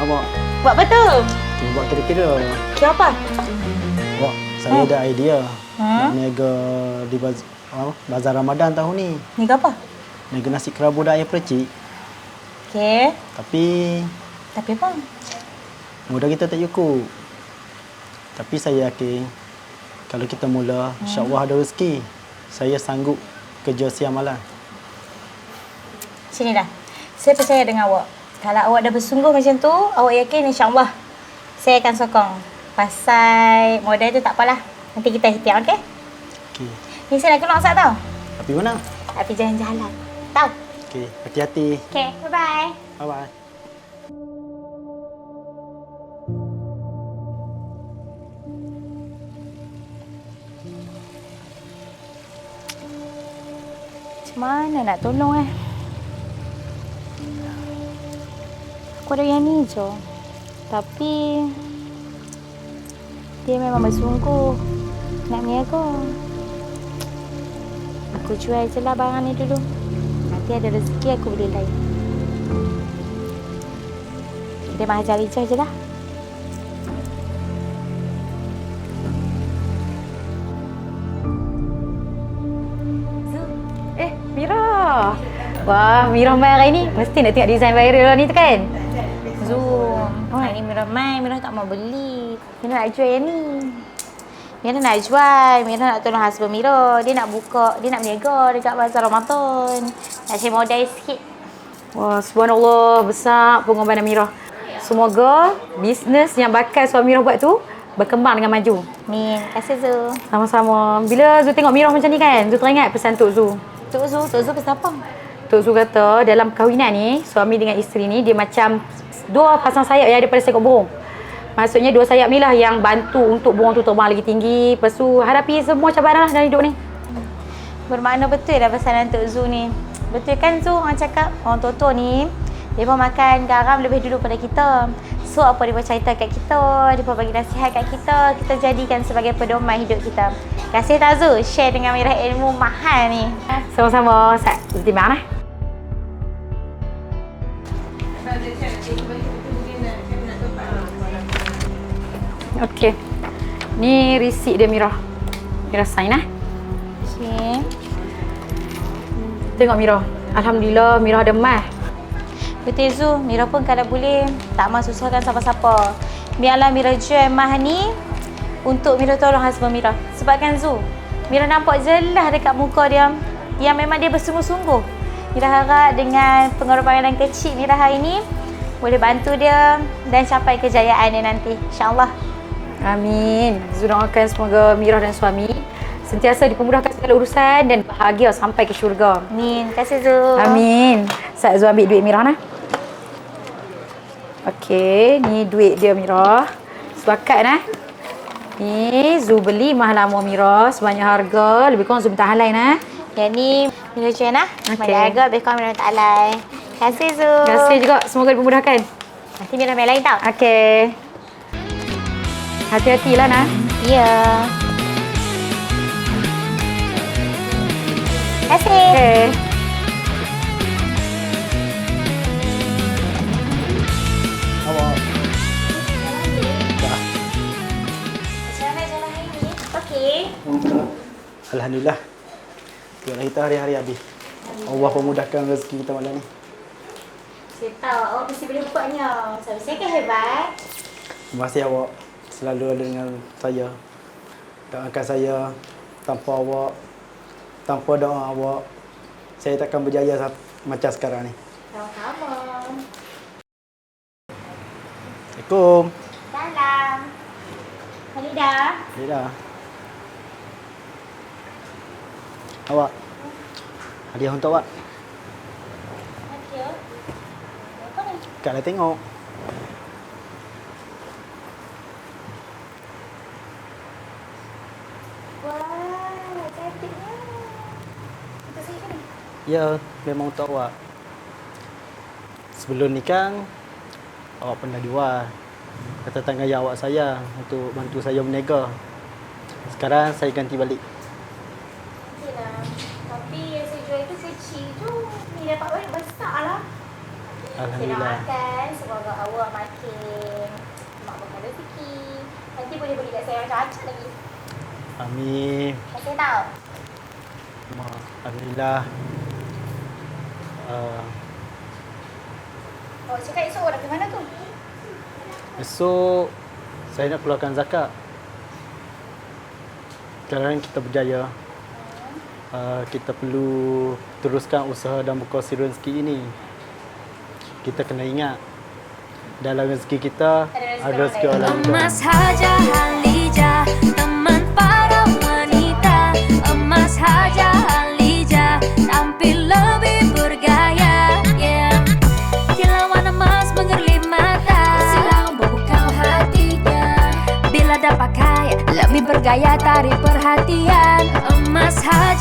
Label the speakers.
Speaker 1: awak.
Speaker 2: Buat apa tu?
Speaker 1: Tengok buat kira-kira.
Speaker 2: Kira apa?
Speaker 1: Awak, saya ada idea. Nak niaga di bazar Ramadan tahun ni.
Speaker 2: Ni ke apa?
Speaker 1: Niaga nasi kerabu dan ayam percik.
Speaker 2: Okey.
Speaker 1: Tapi
Speaker 2: apa?
Speaker 1: modal kita tak cukup. Tapi saya yakin kalau kita mula, insya-Allah ada rezeki. Saya sanggup kerja siang malam.
Speaker 2: Sini dah. Saya percaya dengan awak. Kalau awak dah bersungguh macam tu, awak yakin insya-Allah saya akan sokong. Pasal modal tu tak apalah. Nanti kita ikhtiar, okey?
Speaker 1: Okey.
Speaker 2: Ni saya nak keluar asap tau.
Speaker 1: Tapi mana?
Speaker 2: Tapi jalan-jalan. Tahu?
Speaker 1: Okey, hati-hati.
Speaker 2: Okey, bye-bye.
Speaker 1: Bye-bye.
Speaker 2: Macam mana nak tolong Aku ada yang ni je. Tapi dia memang bersungguh nak berniaga. Aku jual je lah barang ni dulu. Nanti ada rezeki aku boleh lain. Dia mah cari je lah.
Speaker 3: Mira. Wah, Mira mai hari ni. Mesti nak tengok design viral ni tu kan?
Speaker 2: Zoom. Hari ni Mira mai, Mira tak mau beli. Mira nak jual yang ni. Mira nak jual, Mira nak tolong husband Mira. Dia nak buka, dia nak berniaga dekat bazar Ramadan. Nak cari modal sikit.
Speaker 3: Wah, subhanallah, besar pengorbanan Mira. Semoga bisnes yang bakal suami Mira buat tu berkembang dengan maju.
Speaker 2: Min, terima kasih Zu.
Speaker 3: Sama-sama. Bila Zu tengok Mira macam ni kan, Zu teringat pesan Tok Zu.
Speaker 2: Tok Zu pesan apa?
Speaker 3: Tok Zu kata dalam perkahwinan ni, suami dengan isteri ni dia macam dua pasang sayap yang ada pada seekor burung. Maksudnya dua sayap ni lah yang bantu untuk burung tu terbang lagi tinggi. Lepas tu hadapi semua cabaran lah dalam hidup ni.
Speaker 2: Bermakna betul dah pesanan Tok Zu ni. Betul kan Zu, orang cakap orang tua-tua ni dia pun makan garam lebih dulu pada kita. So apa dia pun cerita kat kita, dia pun bagi nasihat kat kita, kita jadikan sebagai pedoman hidup kita. Kasih tak Zu share dengan Mira ilmu mahal ni.
Speaker 3: Sama-sama. Terima kasih. Okey. Ni receipt dia Mira. Mira sign lah.
Speaker 2: Okey.
Speaker 3: Tengok Mira. Alhamdulillah Mira ada emas.
Speaker 2: Betul Zu, Mira pun kalau boleh tak mahu susahkan siapa-siapa. Biarlah Mira jual emas ni untuk Mira tolong husband Mira. Sebab kan Zu, Mira nampak jelas dekat muka dia yang memang dia bersungguh-sungguh. Mira harap dengan pengorbanan kecil Mira hari ni boleh bantu dia dan capai kejayaan dia nanti. InsyaAllah.
Speaker 3: Amin. Zu doakan semoga Mira dan suami sentiasa dipermudahkan segala urusan dan bahagia sampai ke syurga.
Speaker 2: Amin. Terima kasih Zu.
Speaker 3: Amin. Sat Zu ambil duit Mira nah. Okey, ni duit dia Mira. Sepakat nah. Ni Zu beli mahal lama Mira sebanyak harga lebih kurang Zu minta hal lain nah.
Speaker 2: Yang ni Mira jual nah.
Speaker 3: Okey.
Speaker 2: Banyak harga lebih kurang Mira tak alai. Terima kasih Zu.
Speaker 3: Terima kasih juga. Semoga dipermudahkan.
Speaker 2: Nanti Mira main lain tau.
Speaker 3: Okey. Hati-hatilah nah.
Speaker 2: Ya. Terima kasih.
Speaker 3: Okey.
Speaker 1: Awak. Dah.
Speaker 2: Macam mana jalan hari ni? Okey.
Speaker 1: Alhamdulillah. Tengoklah kita hari-hari habis. Allah memudahkan rezeki kita malam ni.
Speaker 2: Saya tahu awak mesti boleh buatnya. Suami saya kan hebat.
Speaker 1: Terima kasih awak selalu ada dengan saya. Doakan saya tanpa awak, tanpa doa awak, saya takkan berjaya macam sekarang ni.
Speaker 2: Sama-sama.
Speaker 1: Assalamualaikum.
Speaker 2: Salam. Halidah.
Speaker 1: Ya dah. Awak. Hadiah untuk awak.
Speaker 2: Thank you. Apa ni?
Speaker 1: Kak dah tengok.
Speaker 2: Wah, cantiknya. Untuk saya kan?
Speaker 1: Ya, memang untuk awak. Sebelum nikah, awak pernah jual. Kata tanggungjawab awak saya untuk bantu saya berniaga. Sekarang saya ganti balik.
Speaker 2: Okeylah. Tapi yang saya jual itu kecil tu. Ni dapat banyak besar lah. Saya
Speaker 1: Alhamdulillah.
Speaker 2: doakan semoga awak makin mak berkah rezeki. Nanti boleh beli kat saya macam acak lagi.
Speaker 1: Amin.
Speaker 2: Saya tahu.
Speaker 1: Alhamdulillah.
Speaker 2: Awak cakap esok awak nak ke mana tu?
Speaker 1: Esok saya nak keluarkan zakat. Sekarang kita berjaya. Kita perlu teruskan usaha dan berkongsi rezeki ini. Kita kena ingat dalam rezeki kita ada rezeki orang lain.
Speaker 4: Emas Haja Halija, teman para wanita. Emas Haja Halija, tampil lebih bergaya. Yeah. Kilauan emas mengerlip mata, silau membuka hatinya. Bila dapat kaya, lebih bergaya tarik perhatian. Emas Haja